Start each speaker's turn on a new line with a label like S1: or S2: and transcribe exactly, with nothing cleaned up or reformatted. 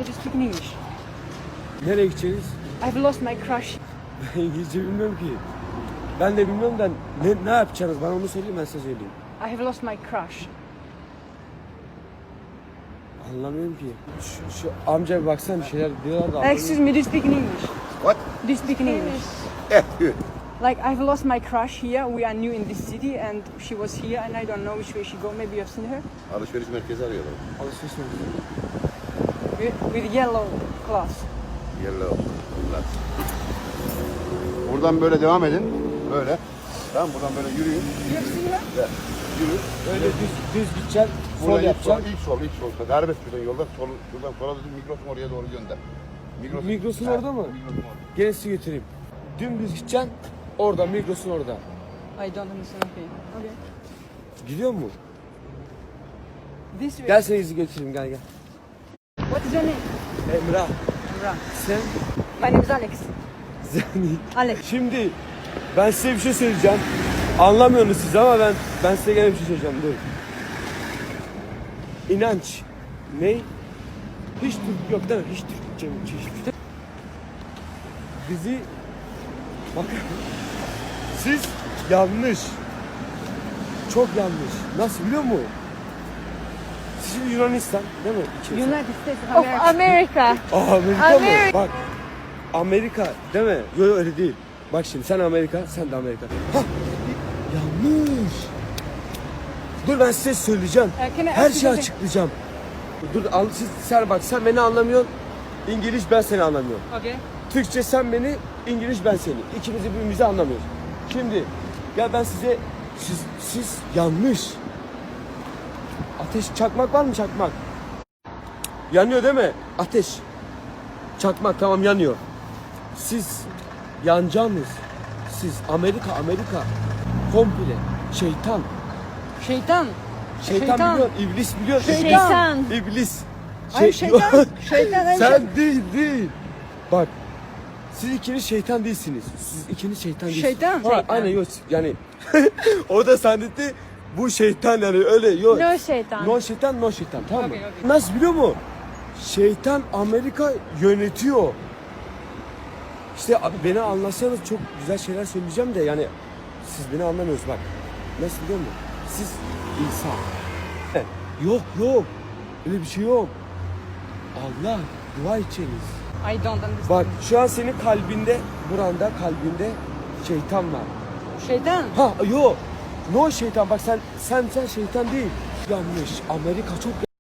S1: me to speak in English.
S2: Nereye gideceğiz?
S1: I've lost my crush.
S2: Ben İngilizce bilmiyorum ki. Ben de bilmiyorum da ne, ne yapacaksınız? Bana onu söyleyin, ben size söyleyeyim.
S1: I have lost my crush.
S2: Anlamıyorum ki. Şu, şu amca bir baksana, bir şeyler diyorlar da.
S1: Excuse me, do you speak in English?
S3: What?
S1: Do you speak in English?
S3: Yeah, good.
S1: Like, I've lost my crush here. We are new in this city and she was here and I don't know which way she go. Maybe you have seen her.
S3: Alışveriş merkezi arıyorlar.
S2: Alışveriş merkezi.
S1: With, with yellow cloth.
S3: Yellow. Bunlar. Buradan böyle devam edin. Böyle. Tamam, buradan böyle yürüyün.
S1: You have seen her?
S3: Ve yürü.
S2: Öyle düz, düz gideceksin, sol
S3: Buradan ilk sol,
S2: yapacaksın.
S3: ilk sol, ilk sol. Serbest buradan yolda. Sol, buradan sola düzün, Migros'un oraya doğru gönder. Migros,
S2: Migros'un
S3: Ha,
S2: orada mı?
S3: Migros'un orada.
S2: Gene sizi götüreyim. Dümdüz gideceksin, orada, Migros'un orada.
S1: I don't understand. Okay. Okay.
S2: Gidiyor mu?
S1: This way.
S2: Gel seni izi götüreyim, gel gel.
S1: What is your name?
S2: Emrah,
S1: Emrah.
S2: sen...
S1: My name is Alex.
S2: Sen...
S1: Alex.
S2: Şimdi ben size bir şey söyleyeceğim. Anlamıyorsunuz siz ama ben ben size gene bir şey söyleyeceğim. Dur. İnanç. Ne? Hiç Türk yok değil mi? Hiç Türkçe mi? Hiç. Bizi bak, siz yanlış. Çok yanlış. Nasıl biliyor musun? Siz Yunanistan değil mi? İçerisi.
S1: United States of
S4: Of
S1: America.
S4: America.
S2: Aa, Amerika
S4: Amerika.
S2: mı? Bak. Amerika değil mi? Yok yok, öyle değil. Bak şimdi sen Amerika, sen de Amerika. Hah! Yanlış. Dur ben size söyleyeceğim.
S1: Uh, can I
S2: Her
S1: ask you
S2: şeyi
S1: something?
S2: açıklayacağım. Dur al, siz, sen bak, sen beni anlamıyorsun. İngiliz, ben seni anlamıyorum.
S1: Okay.
S2: Türkçe sen beni, İngiliz ben seni. İkimiz de birbirimizi anlamıyoruz. Şimdi ya ben size, siz, siz yanlış. Ateş, çakmak var mı çakmak? Yanıyor değil mi? Ateş. Çakmak tamam yanıyor. Siz yanacağınız. Siz Amerika Amerika. Komple. Şeytan.
S1: Şeytan.
S2: Şeytan,
S1: Şeytan.
S2: biliyor. İblis biliyor.
S4: Şeytan.
S2: İblis.
S1: Ay, şeytan. Şeytan. ay,
S2: Sen değil değil. Bak. Siz ikiniz şeytan değilsiniz. Siz ikiniz şeytan değilsiniz.
S1: Şeytan.
S2: Ha,
S1: Şeytan.
S2: aynen yok yani. O da zannetti bu şeytan yani öyle yok.
S4: No şeytan.
S2: No şeytan, no şeytan, tamam mı?
S1: Okey, okey.
S2: Nasıl biliyor musun? Şeytan Amerika yönetiyor. İşte abi beni anlasanız çok güzel şeyler söyleyeceğim de yani siz beni anlamıyorsunuz bak. Nasıl biliyor musun? Siz İsa. Yok yok. Öyle bir şey yok. Allah, dua edeceğiniz.
S1: I don't understand.
S2: Bak şu an senin kalbinde, buranda kalbinde şeytan var.
S1: Şeytan.
S2: Ha yok. No şeytan, bak sen sen sen şeytan değil. Yanlış. Amerika çok